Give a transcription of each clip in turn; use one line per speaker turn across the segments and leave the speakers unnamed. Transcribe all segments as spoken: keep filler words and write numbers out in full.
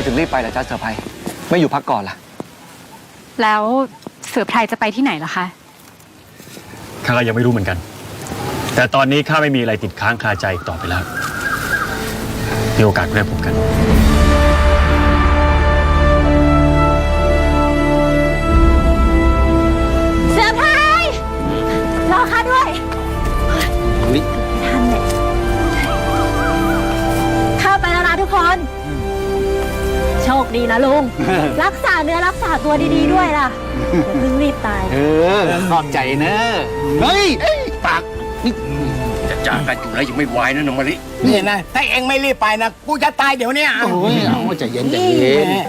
ถึงรีบไปล่ะจ๊ะเสือไพรไม่อยู่พักก่อนล่ะ
แล้วเสือไพรจะไปที่ไหนล่ะคะ
ข้าก็ยังไม่รู้เหมือนกันแต่ตอนนี้ข้าไม่มีอะไรติดค้างคาใจอีกต่อไปแล้วมีโอกาสได้พบกัน
เสือไพรรอข้าด้วยท่านเนี่ยข้าไปแล้วนะทุกคนโชคดีนะลุง รักษาเนื้อรักษาตัวดีๆด้วยล่ะอย่าเพิ่งรีบตาย
เออขอบใจเนอะเฮ้ยปากนี่จะจากกันอยู่แล้วยังไม่วายนะน้องมะลิ
นี่นะถ้าเองไม่รีบไปนะกูจะตายเดี๋ยวนี้
โอ้ยเอาใจเย็นใจเย็น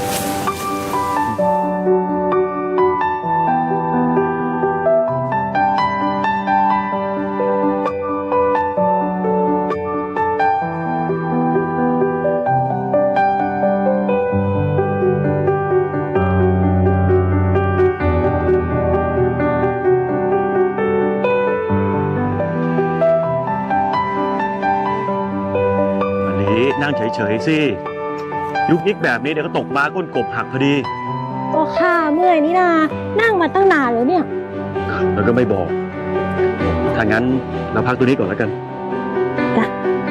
นั่งเฉยๆสิยุกยิกแบบนี้เดี๋ยวก็ตกม้าก้นกบหักพอดี
ก็ข้าเมื่อยนี่นานั่งมาตั้งนานแล้วเนี่ย
แล้วก็ไม่บอกถ้างั้นเราพักตัวนี้ก่อนแล้วกันจ้ะ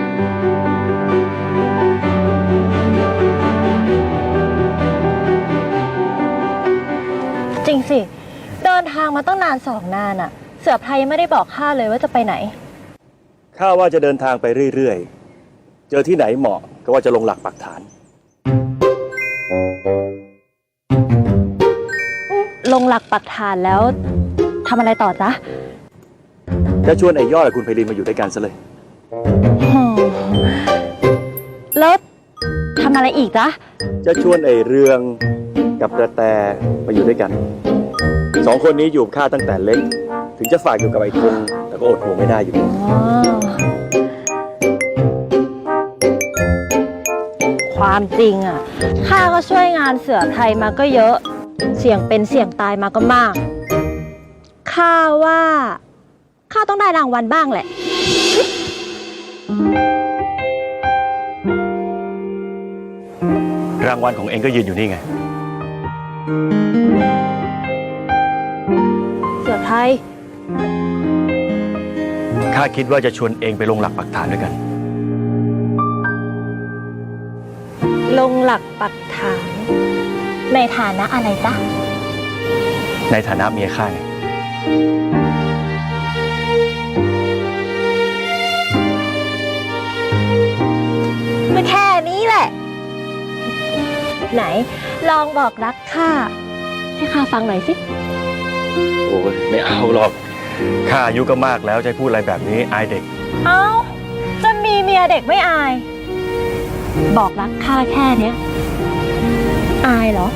จริงสิเดินทางมาตั้งนานสองนานอะเสือไพรยังไม่ได้บอกข้าเลยว่าจะไปไหน
ข้าว่าจะเดินทางไปเรื่อยๆเจอที่ไหนเหมาะก็ว่าจะลงหลักปักฐาน
ลงหลักปักฐานแล้วทำอะไรต่อจ๊ะ
จะชวนไอ้ยอดกับคุณไพลินมาอยู่ด้วยกันซะเลย
แล้วทำอะไรอีกจ๊ะ
จะชวนไอ้เรืองกับกระแตมาอยู่ด้วยกันสองคนนี้อยู่ข้าตั้งแต่เล็กถึงจะฝากอยู่กับไอ้คงแต่ก็อดห่วงไม่ได้อยู่
ความจริงอ่ะข้าก็ช่วยงานเสือไพรมาก็เยอะเสี่ยงเป็นเสี่ยงตายมาก็มากข้าว่าข้าต้องได้รางวัลบ้างแหละ
รางวัลของเองก็ยืนอยู่นี่ไง
เสือไพร
ข้าคิดว่าจะชวนเองไปลงหลักปักฐานด้วยกัน
ลงหลักปักฐานในฐานะอะไรจ๊ะ
ในฐานะเมียข้าไง
ก็แค่นี้แหละไหนลองบอกรักข้าให้ข้าฟังหน่อยสิ
โอ้ยไม่เอาหรอกข้าอายุก็มากแล้วจะพูดอะไรแบบนี้อายเด็ก
เอ้าจะมีเมียเด็กไม่อายบอกรักข้าแค่เนี้ยอายเหรอ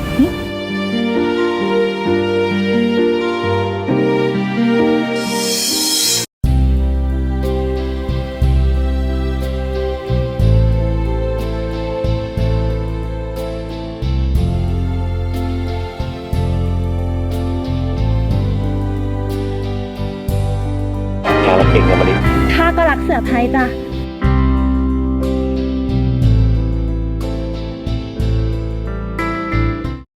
ข้ารักเองนะมะลิ
ข้าก็รักเสือไพรจ้ะ